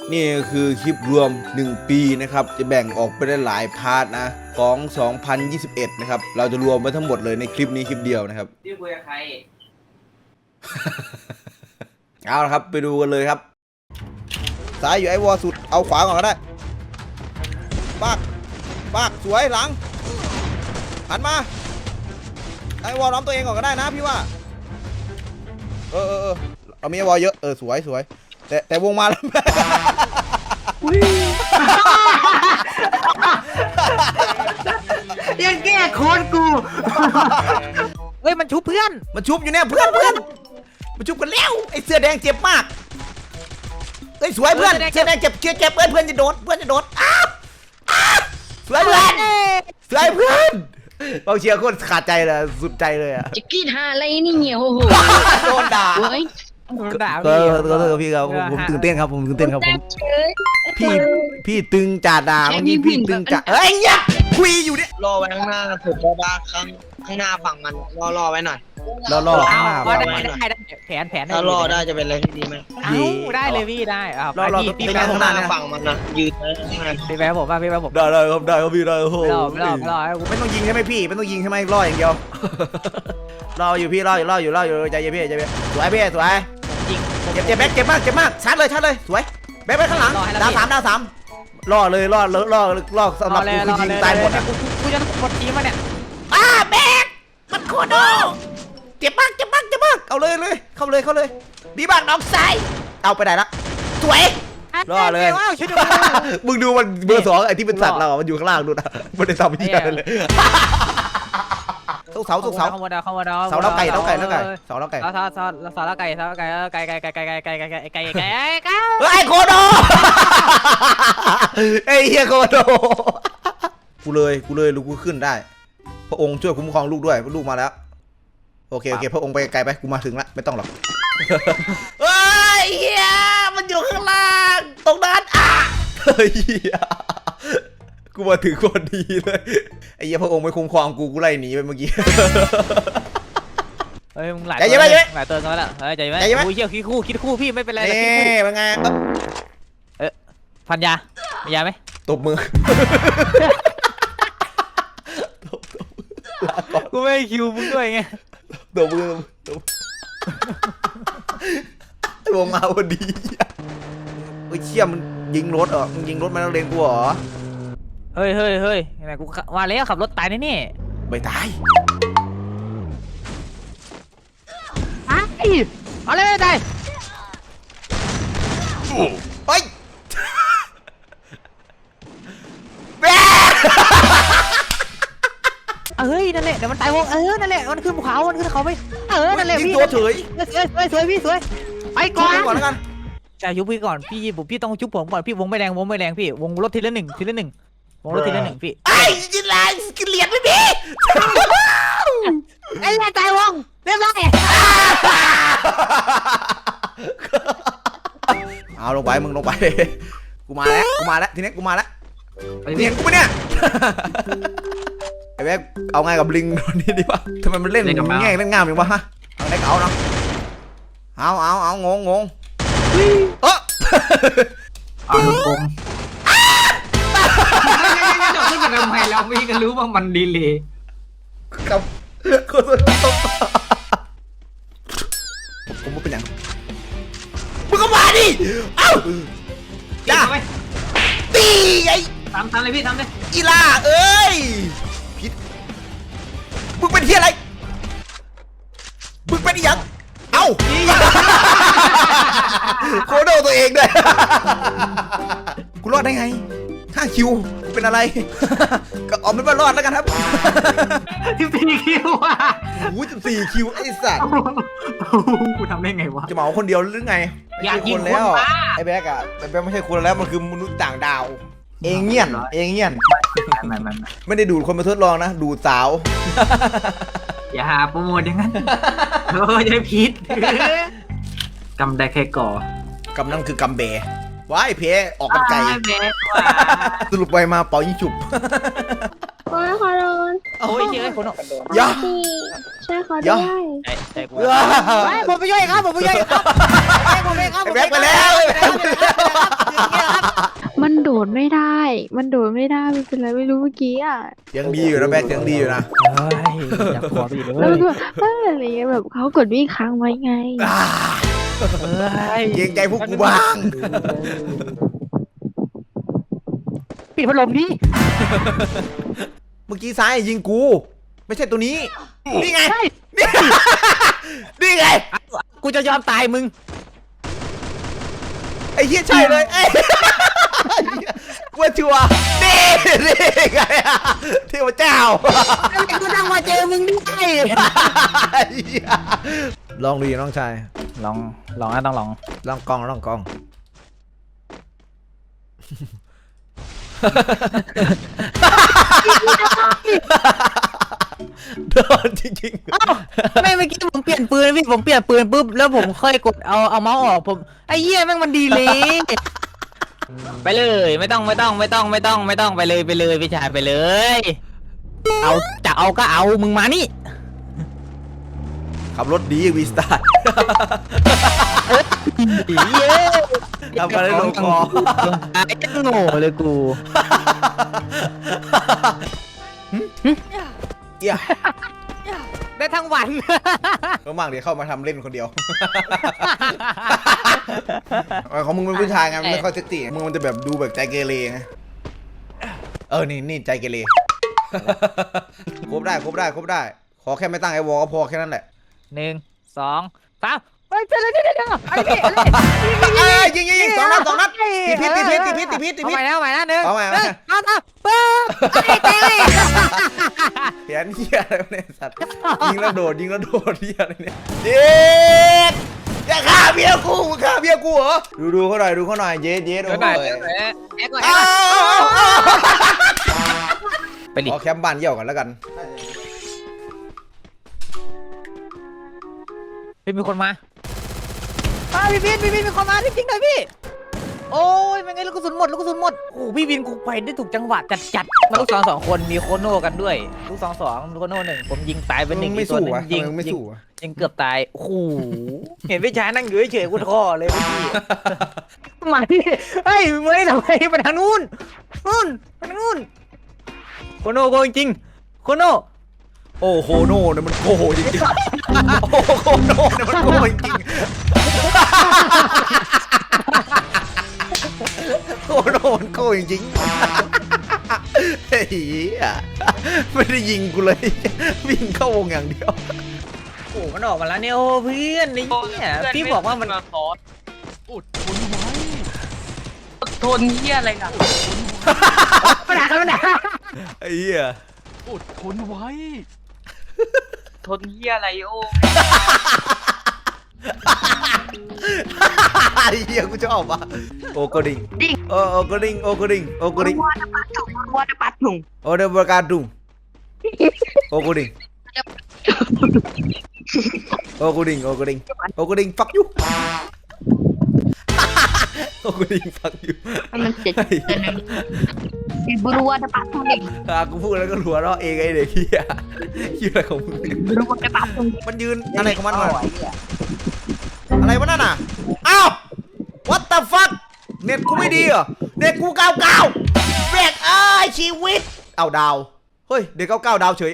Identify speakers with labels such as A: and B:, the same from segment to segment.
A: นี่คือคลิปรวม1ปีนะครับจะแบ่งออกไปได้หลายพาร์ทนะของ2021นะครับเราจะรวมไว้ทั้งหมดเลยในคลิปนี้คลิปเดียวนะครับ
B: พี่คุยกับใคร
A: เอาละครับไปดูกันเลยครับซ้ายอยู่ไอ้วอสุดเอาขวาก่อนก็ได้ปากสวยหลังหันมาไอ้วอล้อมตัวเองก่อนก็ได้นะพี่ว่าเรามีไอ้วอเยอะสวยแต่วงมาแล้ว
C: ยังแก้โค้ดกูเฮ้ยมันชุบเพื่อน
A: มันชุบอยู่เนี่ยเพื่อนมันชุบกันแล้วไอ้เสื้อแดงเจ็บมากเฮ้ยสวยเพื่อนเสื้อแดงเจ็บเพื่อนจะโดดอ้าวสวยเพื่อนเราเชียร์โคตรขาดใจเลยสุดใจเลยอะ
D: จะกินหาอะไรนี่เงี้ยโอ้โห
A: โดนด่าก็พี่ครับผมตื่นเต้นครับผมพี่ตึงจ่าด่าเมื่อกี้พี่ตึงจ่าเฮ้ยเนี่ยคุยอยู่เนี่ย
E: รอไว้ข้างหน้าถูกบ้าข้างหน้าฝั่งมันรอไว้หน่อย
A: รอข้างหน้า
C: ได้แผน
E: ถ้ารอได้จะเป็นอะไรที่ดีไหม
C: ได้เลยพี่ได้
A: รอ
E: พี่แม่ข้างหน้าฝั่งมันนะยืน
C: พี่แม่ผมได้ครับ
A: พี่ได้โอ้โห
C: รอ
A: ไม่ต้องยิงใช่ไหมพี่ไม่ต้องยิงใช่ไหมรออย่างเดียวรออยู่พี่รออยู่ใจเย็นพี่สวยพี่สวยเจ็บมากชาร์จเลยสวยแบ๊กไปข้างหลังดาวสามรอสำหรับกูยิงตายหมด
C: กูจะกดทีมาเนี่ย
A: แบ๊กมันโคโดเจ็บมากเอาเลยเข้าเลยดีบ้างน้องไซเอาไปไหนละสวยรอเลยมึงดูมันเบอร์2ไอ้ที่เป็นสัตว์เรามันอยู่ข้างล่างดูนะมันได้ทำยี่อะไรเลยเสาแล้วไก่เฮ้ยโคโดไอ้เหี้ยโคโดกูเลยลูกกูขึ้นได้พระองค์ช่วยคุ้มครองลูกด้วยลูกมาแล้วโอเคพระองค์ไปไกลไปกูมาถึงแล้วไม่ต้องหรอกเฮ้ยเหี้ยมันอยู่ข้างล่างตรงนั้นเฮ้ยกูมาถึงคนดีเลยไอ้เหี้ยพระองค์ไม่คุ้มครองกูไล่หนีไปเมื่อกี้
C: เฮ้ยมึงหลายตัวแล้วเฮ้ยใจไหมกูเชี่ยวคิดคู่พี่ไม่เป็นไร
A: นี่เป็นไง
C: พันยามียาไหม
A: ตบมือ
C: กูไม่คิวมึงด้วยไง
A: ตบมือวงมาพอดีไอ้เชี่ยมันยิงรถมึงยิงรถมาแล้วเลนกูเหรอ
C: เฮ้ยไหนกูว่าแล้วขับรถตายแน่
A: ไม่ตาย
C: เอาเลยตาย
A: เฮ้ย
C: เฮ้ยนั่นแหละเดี๋ยวมันตายวงนั่นแหละมันขึ้นภูเขามันขึ้นเขาไปนั่นแหละพี่
A: ตัวเฉย
C: สวยพี่สวยไปก่อน
A: แล้วกัน
C: ใช่ยุบพี่ก่อนพี่ต้องชุบผมก่อนพี่วงไม่แรงพี่วงรถทีละหนึ่งวงรถทีละหนึ่งพี่
A: ไอ้ยินไรกินเหรียญไม่มี
C: ไอ้แม่ตายวงเรียบร้อย
A: เอาลงไปมึงลงไปกูมาแล้วทีนี้กูมาแล้วเห็นกูปะเนี่ยไอ้แบ๊กเอาไงกับลิงตัวนี้ดีวะทำไมมันเล่นง่ายเล่นง่ายอย่างวะฮะเอาเล็กเอาเนาะเอางง
B: ลูกกลมจะขึ้นมาทำไมเราไม่กันรู้ว่ามันดีเลย
A: ครับผมเป็นอย่างมึงก็มาดิเอ้า
B: จ้า
A: ตีไง
B: ทำเลยพี่ทำเลย
A: อีล่าเอ้ยผิดมึงเป็นที่อะไรมึงเป็นยังเอ้าโคโดตัวเองด้วยกูรอดได้ไง5 คิวเป็นอะไรก็ออกไม่มารอดแล้วกันครับ
B: 14 คิวอ่ะ
A: โอ้ย14 คิวไอ้สัตว์
B: กูทำได้ไงวะ
A: จะเหมาคนเดียวหรือไง
B: อยากกินคน
A: แล้วไอ้แบ๊กอะแบ๊กไม่ใช่คนแล้วมันคือมนุษย์ต่างดาวเองเงี้ยนไม่ได้ดูดคนมาทดลองนะดูดสาว
B: อย่าหาโปรโมทอย่างนั้นจะพิษกำได้แค่ก่
A: อกำนั่นคือกำเบว้ายเพออกกันไกลสรุปไปมาเป่ายิงฉุบ
D: โอ้ยขอโดน
C: โอ้ยเยอะคนออก
A: ย่า
D: ใช่ขอได้
C: ใช่ผมไปย่อยครับผมไปย่อยครับ
A: แบ๊กไปแล้ว
D: ดไม่ได้ มันโดดไม่ได้มันเป็นอะไรไม่รู้เมื่อกี้อ่ะ
A: เสียงดีอยู่นะแบ็คเสียงดีอยู่นะ
C: เฮ้ยอยากขอไปอีกเล
D: แล้ว
C: ย
D: มันก็อะไรเงี้ยแบบเขากดวิ่งค้างไว้ไง
A: อ่า
C: เฮ้ย
A: เกรงใจพวกกูบ้าง
C: ปิดพัดลมดิ
A: เมื่อกี้ซ้ายยิงกู ไม่ใช่ตัวนี้ นี่ไง นี่ นี่ไง
C: กูจะยอมตายมึง
A: ไอ้เหี้ยใช่เลยไอ้กูว่าชัวร์นี่ไงอะเทพเจ้า
C: กูต้องมาเจอมึงด้วย
A: ลองดูน้องชาย
C: ลองนะต้องลอง
A: ลองกองลองกองโดนจริง
C: ไม่เมื่อกี้ผมเปลี่ยนปืนพี่ผมเปลี่ยนปืนปุ๊บแล้วผมค่อยกดเอาเมาส์ออกผมไอ้เหี้ยแม่งมันดีเลยไปเลยไม่ต้องไปเลยพี่ชายไปเลยเอาจะเอาก็เอามึงมานี่
A: ๆขับรถดีวีสตาร์
C: เย้
A: ทำมาได้ลงคอ
C: ไอ้โง่เลยกู
A: เอี้ย
C: ได้ทั้งวัน
A: ก็มากเดี๋ยวเข้ามาทำเล่นคนเดียว ของมึงเป็นผู้ชายไงมันไม่ค่อยเซ็กซี่มึงมันจะแบบดูแบบใจเกเรไงนี่ใจเกเรครบได้ขอแค่ไม่ตั้งไอ้วอลก็พอแค่นั้นแหละ
C: 1 2 3ไปเจอเลยเดี๋ยว
A: ยิงสองนัดติดพิษ
C: เอาใหม่นะหนึ่ง
A: เอาใหม่
C: เอาปึ๊บไอ้เต้
A: เขียนเหี้ยอะไรเนี่ยสัตว์ยิงแล้วโดดเหี้ยอะไรเนี่ยเย็ดอย่าฆ่าเมียกูมึงฆ่าเมียกูเหรอดูเขาหน่อยเย็ดโอ้ย
C: ไปดิ
A: ขอแคมป์บ้านเยี่ยวกันแล้วกัน
C: พี่มีคนมาพี่วินมีคนมาจริงๆเลยพี่โอ้ยเป็นไงลูกกระสุนหมดโอ้พี่วินกูไปได้ถูกจังหวะจัดมาลูกสองคนมีโคโน่กันด้วยลูก2โคโน่1ผมยิงตายไป1
A: ไม่
C: ตัว
A: สู้
C: นึง
A: อ่ะ
C: ยิง
A: ไม่สู้อ่ะ
C: ยิงเกือบตายโอ้โหเห็นพี่ชายนั่งอยู่เฉยๆกูท้อเลยพี่มาที่เฮ้ยมึงไม่ทำไมไปทางนู้นไปทางนู้นโคโน่โกจริงโคโน่
A: โอ้โหโน่เนี่ยมันโกจริงๆโอ้โหโน่เนี่ยมันโกจริงๆโอ้โน่มันโกจริงๆเฮ้ยไม่ได้ยิงกูเลยวิ่งเข้าวงอย่างเดียว
C: โอ้มันออกมาแล้วเนี่ยโอ้เพื่อนนี่เนี่ยพี่บอกว่ามัน
E: ซอสอุดทนไว้ทนเหี้ยอะไรล่ะ
C: มันด่ากัน
A: ไอ้เหี้ย
E: อุดทนไว้ทนเหี้ยอะไรโอ้
A: ไอ้เหี้ยกูชอบอ่ะโอกระดิ่งโอกระดิ่งวอดปัดถุงโอเดบการดุงโอกระดิ่งฟักยูโอกระดิ่งฟักยู
D: มันเจ็ดburu ada patung nih
A: กูพูดแล้วก็หัวเราะเองไอ้เด็กเหี้ยอะไรของมึง
D: buru ada patung
A: มันยืนอะไรของมันวะอะไรวะนั่นน่ะอ้าว what the fuck เน็ตกูไม่ดีเหรอเน็ตกู99แบกชีวิตเอาดาวเฮ้ยเด็ก99ดาวเฉย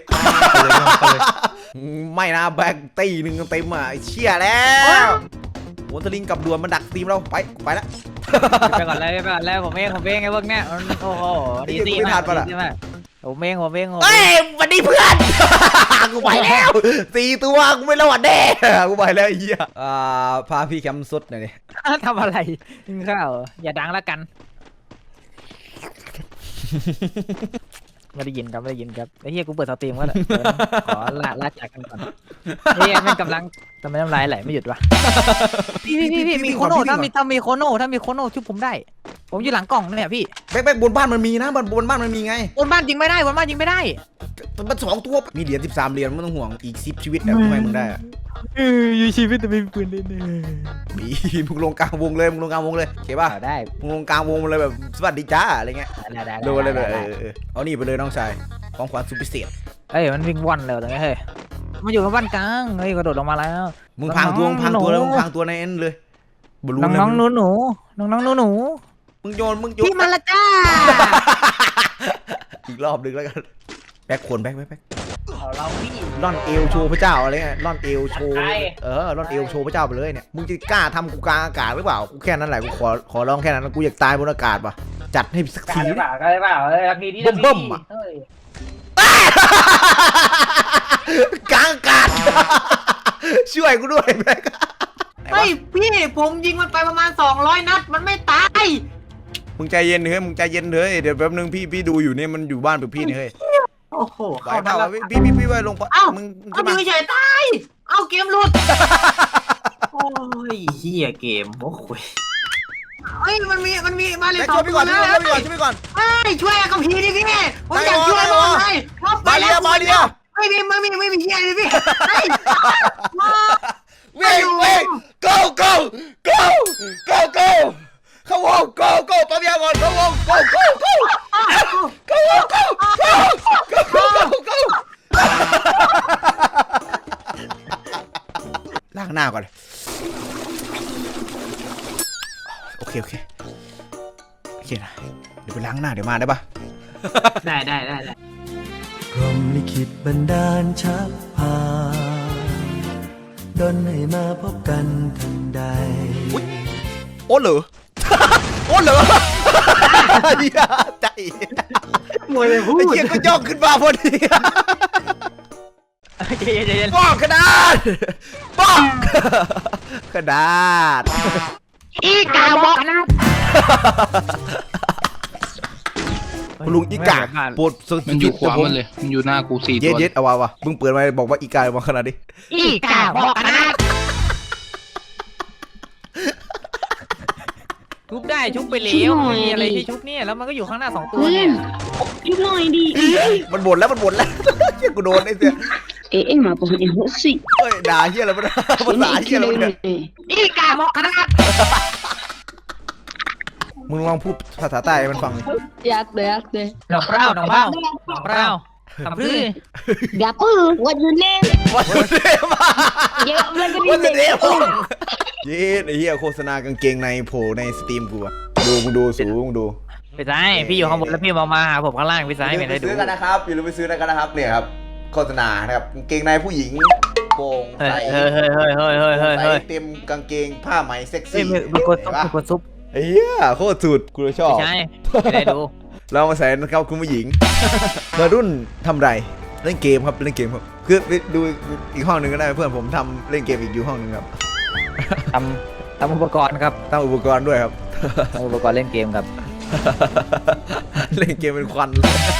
A: ไม่นะแบกตีหนึ่งเต็มอ่ะไอ้เชี่ยแล้วโหนสลิงกับดวนมันดักตีมเราไปแล้ว
C: ไปก่อนเลยผมเองไอ้พวกเนี้ยโอ้โหดีมากผมเอง
A: เฮ้ยวันนี้เพื่อน กูไปแล้ว4 ตัวกูไม่รอดแน่กูไปแล้วไอ้เหี้ยพาพี่แคมป์สุดหน่อยดิ
C: ทำอะไรกินข้าวอย่าดังแล้วกันไม่ได้ยินครับไอ้เหี้ยกูเปิดสตรีมก็แล้วขอลาจากกันก่อนเฮ้ยไม่กำลังทำไมน้ำลายไหลไม่หยุดวะพี่มีโคโน่ถ้ามีโคโน่ชุบผมได้ผมอยู่หลังกล่องเนี่ยพี่
A: แบกบนบ้านมันมีนะบนบ้านมันมีไง
C: บนบ้านยิงไม่ได้
A: มัน2 ตัวมีเหรียญ13 เหรียญไม่ต้องห่วงอีก10 ชีวิตนะทำไมมึงได้อะ
C: อยู่ชีวิตแต่ไม่มีปืนเล่น
A: มีมึงลงกลางวงเลยโอเคป่ะ
C: ได้
A: มึงลงกลางวงเลยแบบสวัสดีจ้าอะไรเงี้ย
C: ได้
A: โดนเลยแบบเอานี่ไปเลยน้องชายของขวัญสุดพิเศษ
C: เอ้ยมันวิ่งว่อนเลยตรงนี้เฮ้ยมาอยู่กับบ้านกลางเฮ้ยกระโดดลงมาแล้ว
A: มึงพังตัวแล้วมึงพังตัวในเอ็นเลยบลู
C: น้องหนู
A: มึงโยน
C: พี่มาละจ้า
A: อีกรอบนึงแล้วกันแบ็คคนแบ็ค
C: เอาเราพี่
A: ล่อนเอวโชว์พระเจ้าอะไรเงี้ยล่อนเอวโชว์
C: ใคร
A: ล่อนเอวโชว์พระเจ้าไปเลยเนี่ยมึงจะกล้าทำกูกลางอากาศหรือเปล่ากูแค่นั้นแหละกูขอร้องแค่นั้นกูอยากตายบนอากาศป่ะจัดให้สัก
C: กล้า
A: ที
C: หรือเปล่ากล้าหรือเปล่าทักทีที่
A: เบิ่มๆอะ
C: เฮ้ย
A: กลางอากาศ ช่วยกูด้วยแบ็ค
B: เฮ้ยพี่ผมยิงมันไปประมาณ200 นัดมันไม่ตาย
A: มึงใจเย็นเฮ้ยมึงใจเย็นเฮ้ยเดี๋ยวแป๊บนึงพี่ดูอยู่เนี่ยมันอยู่บ้านกับพี่นี่เฮ้ย
B: โอ้โห
A: ไหวเปล่าวะพี่ไว้ลงปะ
B: เอ้า
A: มึง
B: เอา
A: จะ
B: อ
A: มา
B: ยู่เฉยๆตายเอาเกมหลุดโอ้ยเฮียเกมโอ้โหเฮ้ยมันมีมาเลย
A: แบ็ค
B: สอ
A: ช่ว
B: ง
A: ยพี่
B: ตั
A: ก่
B: ว
A: อน
B: แล้
A: ช่วยพี่ก่อน
B: เฮ้ยช่วยกับพีดิพี่ผมอยาก
A: ได้
B: ช่วย
A: ได้
B: มากเลยไปแล้ว
A: มาเดียว
B: ไม่มีเฮียเลยพี่เฮ้ยมา
A: วิ่ง goเข้าวง go ปั๊มยาก่อนเข้าวง go ล้างหน้าก่อนโอเคนะเดี๋ยวไปล้างหน้าเดี๋ยวมาได้ปะ
B: ได้
F: พรหมลิขิตบันดาลชักพาดลให้มาพบกันทันใด
A: โอ้เหรอ โอ้เหรอเหี้ยใจ
B: มวยเลยพูด
A: ไอ้เหี้ยก็ย่องขึ้นมาพอดี
C: ใจเย็น
A: ป้องกระดาษป้องกระดาษ
C: อีกาบอกนะ
A: คุณลุงอีกาปวดสุด
E: มันอยู่ขวามันเลย มันอยู่หน้ากู4 ตัว
A: เย็ดเอาวะมึงเปิดมาบอกว่าอีกามาขนาดนี้
C: อีกาบอกนะชุบได้ชุบไปแล้วมันมีอะไรที่ชุบเนี่ยแล้วมันก็อยู่ข้างหน้า2 ตัวเนี่ย
G: ชุบหน่อยดิ
A: มันบ่นแล้วเหี้ยกูโดนไอ้เสีย
G: eh maafkan emosi
A: เฮ้ยด่าเหี้ยอะไรมันภาษาเหี้ยอะไรมันเนี่ย
C: อีกาบอกนะ
A: มึงลองพูดภาษาใต้ให้มันฟัง
G: yak deh
C: หนองเปล่าทำพื้น
G: gapo what your name
A: วันเดม
G: ya lagi
A: วัน
G: di
A: เดมเย็ดไอ้เหี้ยโฆษณากางเกงในโผล่ในสตรีมกูอะมึงดูสูมึงดู
C: พี่สายพี่อยู่ข้างบนแล้วพี่มาหาผมข้างล่างพี่สาย
A: อย่าลื
C: ไม่
A: มไป
C: ได้ดู
A: ซื้อกันนะครับอย่าลืมไปซื้อกันนะครับเนี่ยครับโฆษณานะครับกางเกงในผู้หญิงโปร่ง
C: เฮ้ย
A: ใส
C: เฮ้ยเฮ้ย
A: เต็มกางเกงผ้าไหมเซ็ก
C: เฮ้ย
A: ซี่
C: มีคนซุป
A: ไอ้เหี้ยโคตรสุดกูเลยชอบ
C: ใช่ไม่ได้ดู
A: เรามาใส่นะครับคุณผู้หญิงวัยรุ่นทำไรเล่นเกมครับคือไปดูอีกห้องหนึ่งก็ได้เพื่อนผมทำเล่นเกมอีกอยู่ห้องหนึ่งครับ
C: ทำอุปกรณ์ครับ
A: ตั้งอุปกรณ์ด้วยครับ
C: ทำอุปกรณ์เล่นเกมครับ
A: เล่นเกมเป็นควัน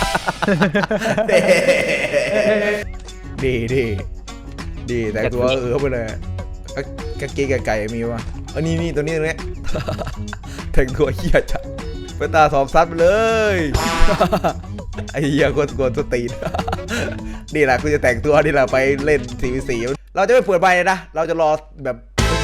A: ดีแต่งตัวเข้าไปเลยกางเกงไก่มีวะนี่ตัวนี้แต่งตัวเหี้ยจัดไปตาสอบซัดไปเลยไอ้เหี้ยโคตรกวนตัวตีนนี่แหละกูจะแต่งตัวนี่แหละไปเล่นสีเราจะไม่เปิดใบนะเราจะรอแบบ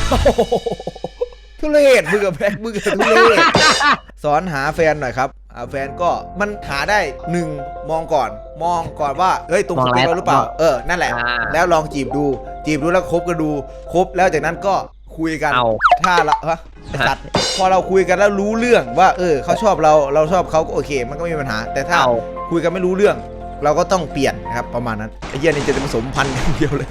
A: ทุเรศมึงกับแพ้มึงกับทุเรศสอนหาแฟนหน่อยครับแฟนก็มันหาได้1มองก่อนว่าเฮ้ยตรงสเปคเราหรือเปล่านั่นแหละแล้วลองจีบดูแล้วคบกันดูคบแล้วจากนั้นก็คุยกันถ้าละสัตว์พอเราคุยกันแล้วรู้เรื่องว่าเขาชอบเราชอบเขาก็โอเคมันก็ไม่มีปัญหาแต่ถ้าคุยกันไม่รู้เรื่องเราก็ต้องเปลี่ยนนะครับประมาณนั้นไอ้เหี้ยนี่จะผสมพันธุ์อย่างเดียวเลย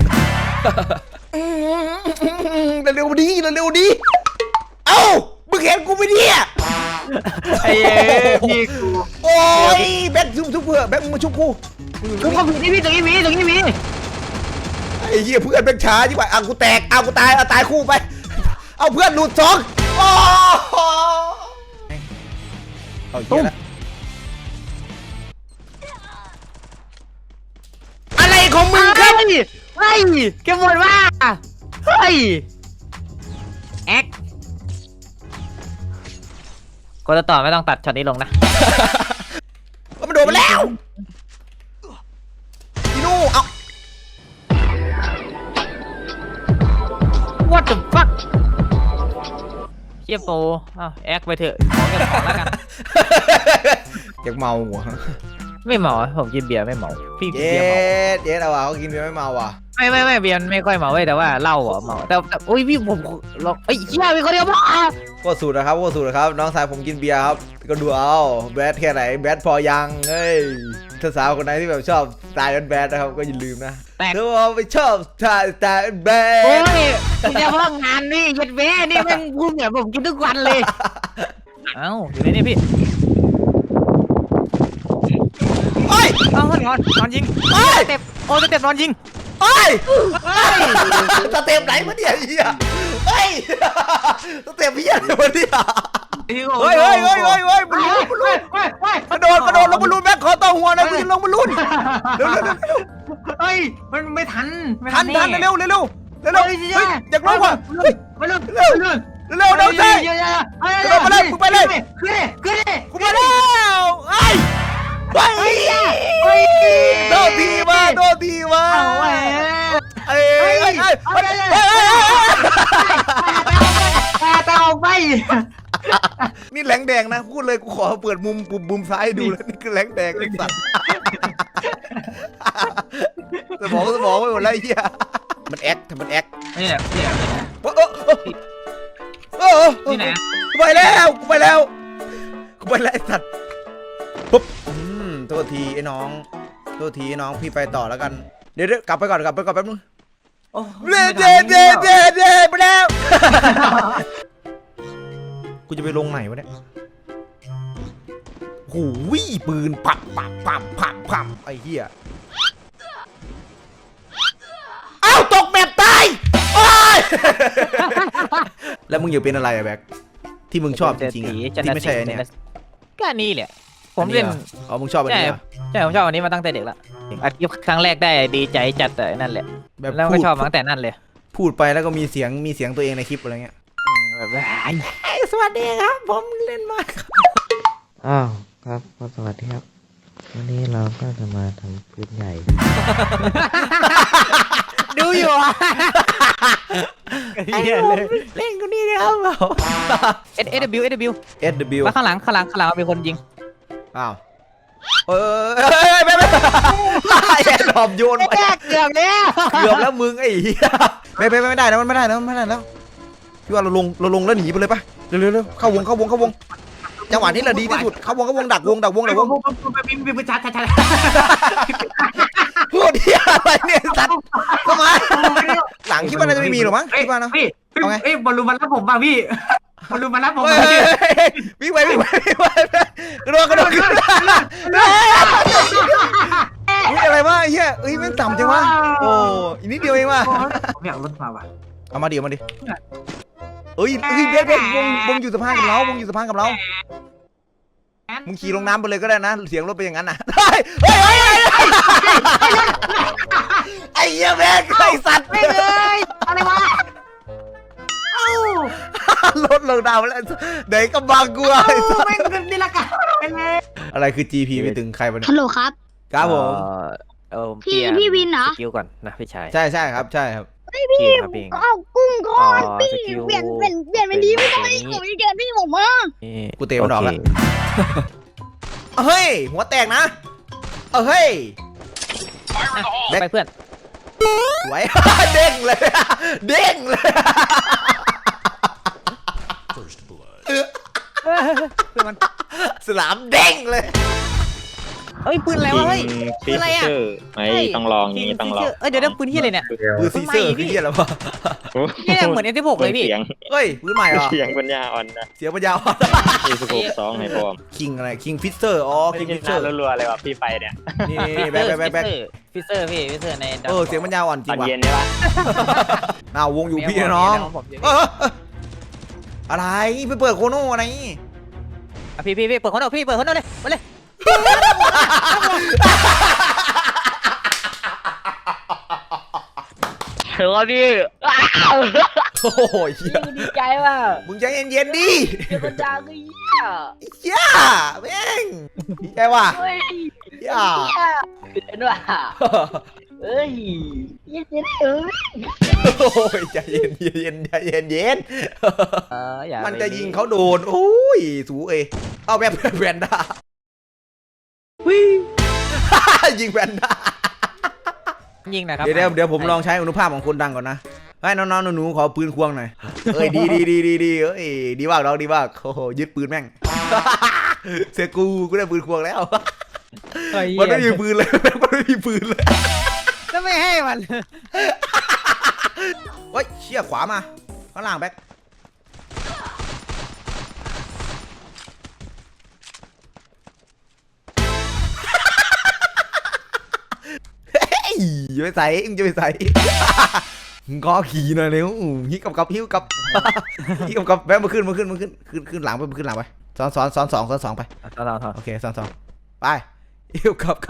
A: เร็วดีเอ้ามึงเห็นกูไม่เนี่ย
C: ไอ้พี่กู
A: โอ้ยแบ็คชุบเพื่อแบ็คมึงมาชุบกู
C: กูก็มีนี่พี่ตรงนี้มี
A: ไอ้เหี้ยเพื่อนแบ็คช้าจิ๋วกูแตกกูตายคู่ไปเอาเพื่อนหลุด2โอ้เอาเหี้ยละอะไรของมึงครับ
C: เฮ้ยแกหมดว่าเฮ้ยแอคก็จะต่อไม่ต้องตัดช็อตนี้ลงนะ
A: มันโดนมาแล้วอีนู่เอา
C: What the fuck เชี่ยโปแอคไปเถอะขอเก็บของแล้วกัน
A: อยากเมาหัว
C: ไม่เมาผมกินเบียร์ไม่เมาพี่กิน
A: เย็
C: เบียร์เมา
A: ดเอาว่ะเขากินเบียร์ไม่เมาว่ะ
B: ไ
C: ไม่เบียร์ไม่ค่อยเมาเว้ยแต่ว่าเหล้าอ่ะเมาแต่อุ้ยพี่ผมลองเชี่ยมีคนเดียวบ้า
A: ก็สูตรนะครับก็สูตรนะครับน้องชายผมกินเบียร์ครับก็ดูเอาแบดแค่ไหนแบดพอยังเฮ้ยถ้าสาวคนไหนที่แบบชอบสไตล์แบดนะครับก็อย่าลืมนะถ้าว่าไม่ชอบสไตล์แบ
C: โอ้
A: ด
C: ยคุณจะว่างงานนี่ยัดแม่นี่แม่งพูดเหมือนผมกินทุกวันเลยเอ้าอยู่ในนี่พี่
A: โอ้ย
C: เอ้านอนยิงสเต็ปสเต็ปนอนยิง
A: โอ้ยสเต็ปไหนมาเนี่ยเฮียเฮ้ยสเต็ปเฮียอะไรมาเนี่ยเฮ้ยบอลลูนกระโดดลงบอลลูนแม็กขอต่อหัวหน่อยกูจะลงบอลลูนเร็ว
B: เฮ้ยมันไม่ทัน
A: ทันเร็วอยากลงว่ะเฮ้ย
B: มาลุน
A: เร็วน้องชาย กระโดดมาเลยมึงไปเลย
B: ขึ้นเลย
A: กูมาแล้วไอ้โดนทีมาเอ้ย
B: แต่ออกไป
A: นี่แหลงแดงนะพูดเลยกูขอเปิดมุมซ้ายดูแล้วนี่คือแหลงแดงไอ้สัตว์สมองไปหมดแล้วไอ้เหี้ยมันแอค
B: นี่แหละ
A: นี่ไหนกูไปแล้วไอ้สัตว์ปุ๊บโทษทีไอ้น้องพี่ไปต่อแล้วกันเดี๋ยวกลับไปก่อนแป๊บนึงเด้ไปแล้วกูจะไปลงไหนวะเนี่ยหูยปืนปับไอ้เหี้ยเอ้าตกแบบตายโอ้ยแล้วมึงอยู่เป็นอะไรอะแบ็คที่มึงชอบจริงๆที่ไม่ใช่เนี่ย
C: ก็นี่แหละผมเล่น
A: อ๋อมึงชอบอันนี้
C: ใช่ผมชอบอันนี้มาตั้งแต่เด็กแล้วอัดคลิปครั้งแรกได้ดีใจจัดแต่นั่นแหละแล้วก็ชอบมาตั้งแต่นั่นเลย
A: พูดไปแล้วก็มีเสียงตัวเองในคลิปอะไรเงี้ย
C: แบบ
A: สวัสดีครับผมเล่นมาก
H: อ้าวครับก็สวัสดีครับ วันนี้เราก็จะมาทำพื้นใหญ่
C: ดูอยู่อ่ะ
A: เล่นกูนี่นะครับ
C: SW มาข้างหลังมีคนยิง
A: อ้าวไม่แอนดอมโยนไป
C: เกือบ
A: แล้วมึงไอ้เหี้ยไม่ได้นะมันไม่ได้แล้วพี่ว่าเราลงแล้วหนีไปเลยปะเร็วเข้าวงจังหวะนี้แหละดีที่สุดเข้าวงดักวง
B: มีประชาชน
A: พูดเหี้ยอะไรเนี่ยสัตว์เข้ามาหลังคิดว่าน่าจะไม่มีหรอมั้งคิดว่านะ
B: พี่บอลลูนมารับผมป่ะพี่บอลลูนมารับผม
A: วิ่งไปกระโดดขึ้นอะไรวะเฮียแม่งต่ำจังวะโอ้อีกนิดเดียวเองว่ะ
B: ผมอยากรถมาว่ะ
A: เอามาดิเบสวงอยู่สะพานกับเรามึงขี่ลงน้ำไปเลยก็ได้นะเสียงรถไปอย่างนั้นนะไอ้เหี้ยแม่งไอ้สัตว์
B: ไม่เลยอะไรวะ
A: รถลงน้ำแล้วเด็กก็บังกูไอ้สัตว์
B: ไม่เป็นนี่ละกัน
A: อะไรคือ GP ไม่ถึงใครวะเนี่ย
G: ฮัลโหลครับ
A: ครับผม
G: พี่วินเหรอ
C: สกิลก่อนนะพี่ชาย
A: ใช่ครับ
C: พี่
G: เอากุ้งก้อนพี่เปลี่ยนเป็นดีไม่ต้องให้ผมเกินพี่ผมมา
A: กูเตะมันออกแล้วเฮ้ยหัวแตกนะเฮ้ย
C: ไปเพื่อน
A: สวย เด้งเลยสนามเด้งเลย
C: เฮ้ยปืนอะไรวะเฮ้ยปืนอะไรอ่ะ
E: ไม่ต้องลองนี้ต้องลอง
C: เดี๋ยวปืนที่อะไรเนี่ย
A: ปืนซีเซอร์คือเหี้ยอะไรวะ
C: นี่เหมือน M16 เลยพี่
E: เสียง
A: เฮ้ยปืนใหม่เหรอ
E: เสียงปัญญาอ่อนนะ
A: เสียงปัญญาอ่อน
E: 2ให้พร้อม
A: คิงอะไรคิงฟิสเซอร์อ๋อคิงฟิสเซอร์
E: รัวๆเลยว่ะพี่ไปเนี่ย
A: นี่แบ็ค
C: ฟิเซอร์พี่ฟิเซอร์ใน
A: เสียงปัญญาอ่อนจ
E: ต
A: ริ
E: อน
A: งว่ะ
E: เย็นเนี่ยปะ
A: วงอยู่พี่น้องอะไรไปเปิดโคโน่อะไร
C: พี่เปิดคนเอาพี่เปิดคนเอาเลยมาเลย
E: เฮ้ยพี่
A: โอ้ย
G: ดีใจว่ะ
A: มึงใจเย็นๆดิ
G: เป็นคนดังก็เหี้ย
A: ย่าแม่งดีใจว่ะ
G: เฮ้ย
A: ย่า
G: เป็นว่ะเอ้ยยังจะได้
A: โอ้ยใจเย็นมันจะยิงเขาโดนโอ้ยสูเอาแบบแวนด้ายิงแวนด้า
C: ยิงหนะครับ
A: เดี๋ยวผมลองใช้อนุภาพของคนดังก่อนนะให้น้องๆหนูๆขอปืนควงหน่อยเอ้ยดีเอ้ยดีมากน้องดีมากโอ้โหยึดปืนแม่ง เสียกูได้ปืนควงแล้ว มันไม่มีปืนเลย มันไม่มีปืนเลย
C: แล้วไม่ให้มัน
A: เฮ้ยเชี่ยขวามาข้างล่างแบ็คอย่าไปใส่มึงจะไปใส่ มึงก็ขี่หน่อยเร็วฮิกับฮิวกับฮิกับแบ็คมาขึ้นขึ้นหลังไปขึ้นหลังไปซ้อนสองไป
C: ต่อ
A: โอเคซ้อนไปฮิวกับ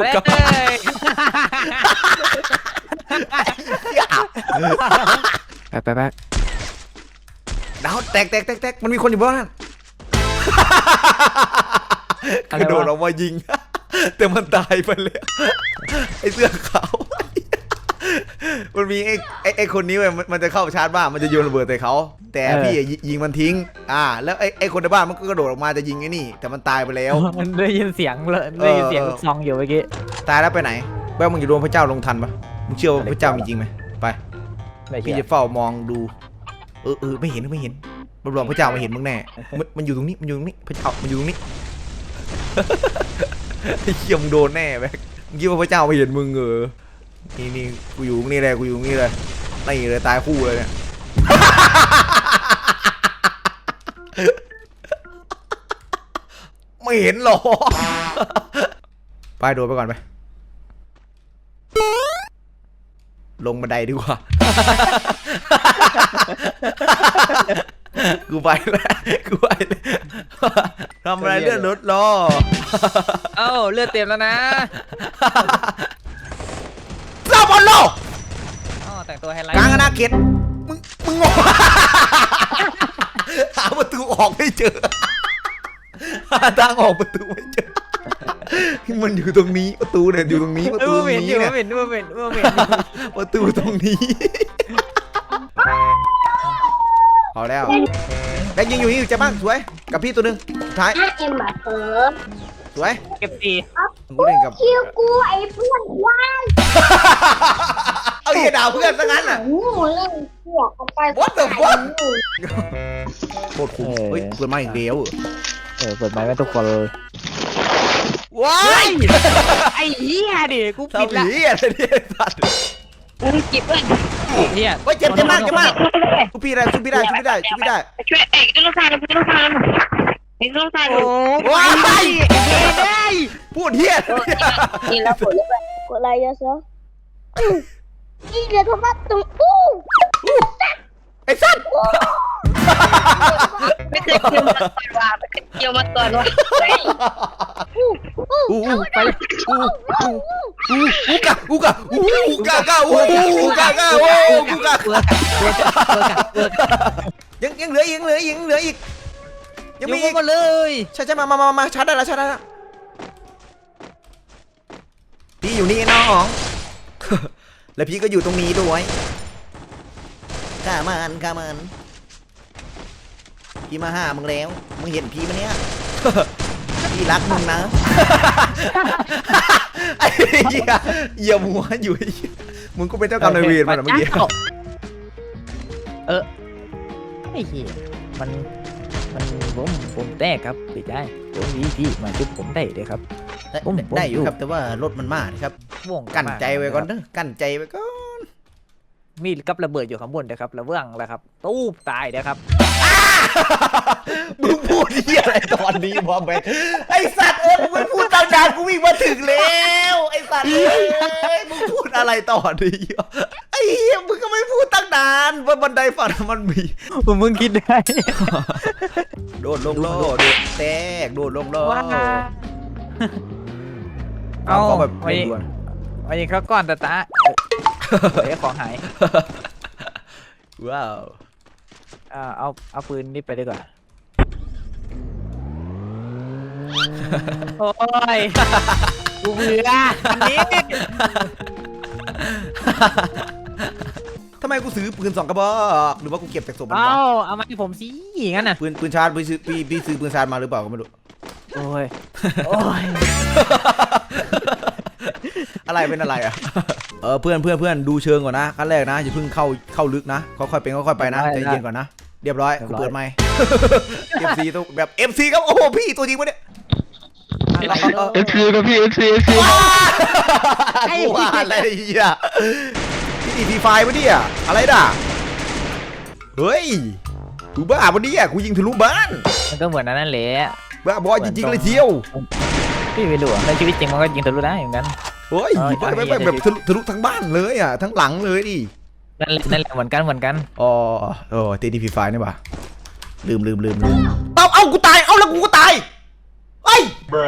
C: ไป
A: ดาวแตกมันมีคนอยู่บ้านนั่นกระโดดออกมายิง แต่มันตายไปแล้วไอ้เสื้อขาว มันมีไอ้คนนี้เว้ยมันจะเข้าชาร์จบ้านมันจะโยนระเบิดใส่เขาแต่พี่ยิงมันทิ้งแล้วไอ้คนในบ้านมันก็กระโดดออกมาจะยิงไอ้นี่แต่มันตายไปแล้ว
C: มันได้ยินเสียงเลยได้ยินเสียงลูกซองอยู่เมื่อกี้
A: ตายแล้วไปไหนแว่มึงอยู่รวมพระเจ้าลงทันปะมึงเชื่อว่าพระเจ้ามีจริงไหมไปพี่จะเฝ้ามองดูไม่เห็นรวมพระเจ้าไม่เห็นมึงแน่มันอยู่ตรงนี้พระเจ้ามันอยู่ตรงนี้ ไอ้เหี้ยมึงโดนแน่แบ๊กมึงคิดว่าพระเจ้าไม่เห็นมึงนี่กูอยู่นี่เลยนี่เลยตายคู่เลยเนี่ย ไม่เห็นหรอ ไปโดดไปก่อนไปลงบันไดดีกว่า กูไปแล้วทำอะไรเลื่อนรถรอ
C: เอ้าเลือดเต็มแล้วนะ
A: ซาบอลโล
C: อ๋อแต่งตัวไฮไลท์
A: กลางอนาเขตมึงงง หาประตูออกไม่เจอ หาทางออกประตูไม่เจอ มันอยู่ตรงนี้ประตูเนี่ยอยู่ตรงนี้ประตูตรงนี้เนี่ย
C: เห็น
A: ประตูตรงนี้ พอแล้วแบ็คยิงอยู่เจ็บมากสวยกับพี่ตัวหนึ่งสุดท้าย
G: ถ้าเอ็มมาเปิด
A: สวย
C: เก็บตี
A: กูเล่นกับ
G: คิวกูไอ้เพื่อนว่าน
A: เอาเหี้ยด่าเพื่อนซะงั้นอ่ะ
G: หนูเล่นเสือกเอาไป
A: What the fuck โคตรคุ้มเฮ้ยเปิดมาอีกเดียว
C: เปิดไมค์ไว้ทุกคนเลย
A: ว้าย
C: ไอ้เหี้ยดิกูปิด
A: ทำ
C: ละ
A: เหี้ยอะไรเนี่ยสัตว์
G: มึงจิบเลย
C: เหี้ย
A: เฮ้ยเจ็บมากชุบพี่ได้
G: ช่วยเอกลูกชายลูกชายเอกลูกชาย
C: โอ้
A: ว้าย
C: ได้
A: พูดเหี้ย
G: นี่แล้วกดเลยกดอะไรเยอะซะนี่เดี๋ยวเขามาตรงอู้
A: ไอ้สัตว์
G: ไม่เคยเกี่ยวมาก่อนว่าไม่เคยเกี่ยวมาก่อนว่า
A: ไปกูกะยังเหลืออีกยังมีอีก
C: มาเลย
A: ใช่มาชาร์จได้แล้วพี่อยู่นี่น้อง แล้วพี่ก็อยู่ตรงนี้ด้วยข้ามันพี่มาหามึงแล้วมึงเห็นพี่มั้ยเนี่ย พี่รักมึงนะ ไอ้เหี้ยเหยียบหัวอยู่มึงก็เป็นเจ้ากรรมนายเวรมันเมื่อกี้
C: ไอ้เหี้ยมันผมแตกครับพี่ชายผมพี่มาจุดผมได้เลยครับ
A: ได้อยู่ครับแต่ว่ารถมันมากครับ
C: วง
A: กั้นใจไว้ก่อนเด้อกั้นใจไว้ก่อน
C: มีกับระเบิดอยู่ข้างบนนะครับระเบื้องแล้วครับตู้ตายนะครับ
A: มึงพูดที่อะไรตอนนี้บอมไปไอสัตว์มึงไม่พูดตั้งนานกูวิ่งมาถึงแล้วไอสัตว์มึงพูดอะไรต่อดีไอ้เหี้ยมึงก็ไม่พูดตั้งนานว่าบันไดฝั่งมันมี
C: มึงคิดได้
A: โดดลงโลดแตกโดดลงโล
C: ว้า
A: เอาเขาแบบ
C: ไป
A: เร่งด่วน
C: ไปยิงเขาก่อนตาเดี๋ยวของหาย
A: ว้าว
C: เอาปืนนี่ไปดีกว่าโอ้ยกูเบื่ออันนี้
A: ทำไมกูซื้อปืน2 กระบอกหรือว่ากูเก็บจากศพมันวะ
C: เอามาให้ผมสิงั้นน่ะ
A: ปืนชาร์จพี่ซื้อปืนชาร์จมาหรือเปล่าก็ ไม่รู้
C: โอ้ย
A: อะไรเป็นอะไรอ่ะ เพื่อนดูเชิงก่อนนะขั้นแรกนะอย่าเพิ่งเข้าลึกนะค่อยๆเป็นค่อยๆไปนะใจเย็นก่อนนะเรียบร้อยกูเปิดไมค์ FC ตัวแบบ FC ครับโอ้โหพี่ตัวจริงวะเนี่ย
E: เอฟซีครับพี่เอฟซี
A: กูว่าอะไรเนี่ยพี่ทีไฟวะเนี่ยอะไรด่ะเฮ้ยกูบ้าปะเนี่ยกูยิงทะลุบ้าน
C: มันก็เหมือนนั่นแหละ
A: บ้าบอยจริงๆเลยเที่ยว
C: พี่ไม่รู้อะในชีวิตจริงมันก็ยิงทะลุได้เหมือนกัน
A: เฮ้ยไม่แบบทะลุทั้งบ้านเลยอ่ะทั้งหลังเลยดิ
C: นั่นแหละเหมือนกัน
A: อ๋อตีดีพีไฟนี่ป่ะลืมเอากูตายเอาแล้วกูก็ตายเฮ้ย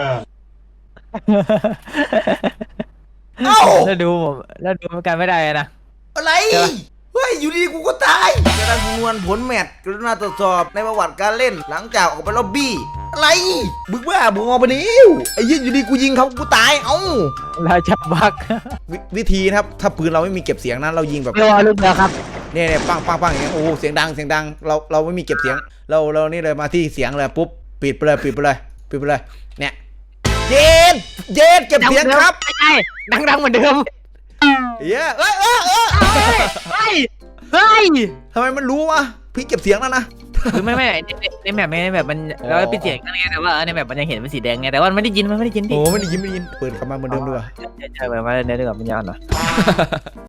A: เอ้า
C: แล้วดูมันกันไม่ได้นะ
A: อะไรเฮ้ยอยู่ดีๆกูก็ตายการคำนวณผลแมตช์กรุณาตรวจสอบในประวัติการเล่นหลังจากออกไปล็อบบี้อะไรบึกบ้าบึงออกไปนิ้วไอ้ยี่อยู่ดีกูยิงเขากูตายเอ้า
C: เราจะบัก
A: วิธีนะครับถ้าปืนเราไม่มีเก็บเสียงนั้นเรายิงแบบ
C: เรียกว่าลูกเดียวครับ
A: เนี่ยปังอย่างเงี้ยโอ้เสียงดังเราไม่มีเก็บเสียงเรานี่เลยมาที่เสียงเลยปุ๊บปิดไปเลยเนี่ยเย็นเก็บเสียงครับ
C: ใช่ดังเหมือนเดิม
A: เย้เฮ้ยทำไมมันรู้วะพี่เก็บเสียงแล้วนะ
C: คือไม่ในแมปมันเราปิดเสียงกันไงแต่ว่าในแมปมันยังเห็นเป็นสีแดงไงแต่ว่ามันไม่ได้ยินพี่
A: โอ้ไม่ได้ยินเปิดกลับมาเหมือนเดิมด้วย
C: ใช่เปิดมาเนื้อเดือดมันยาวหน่อย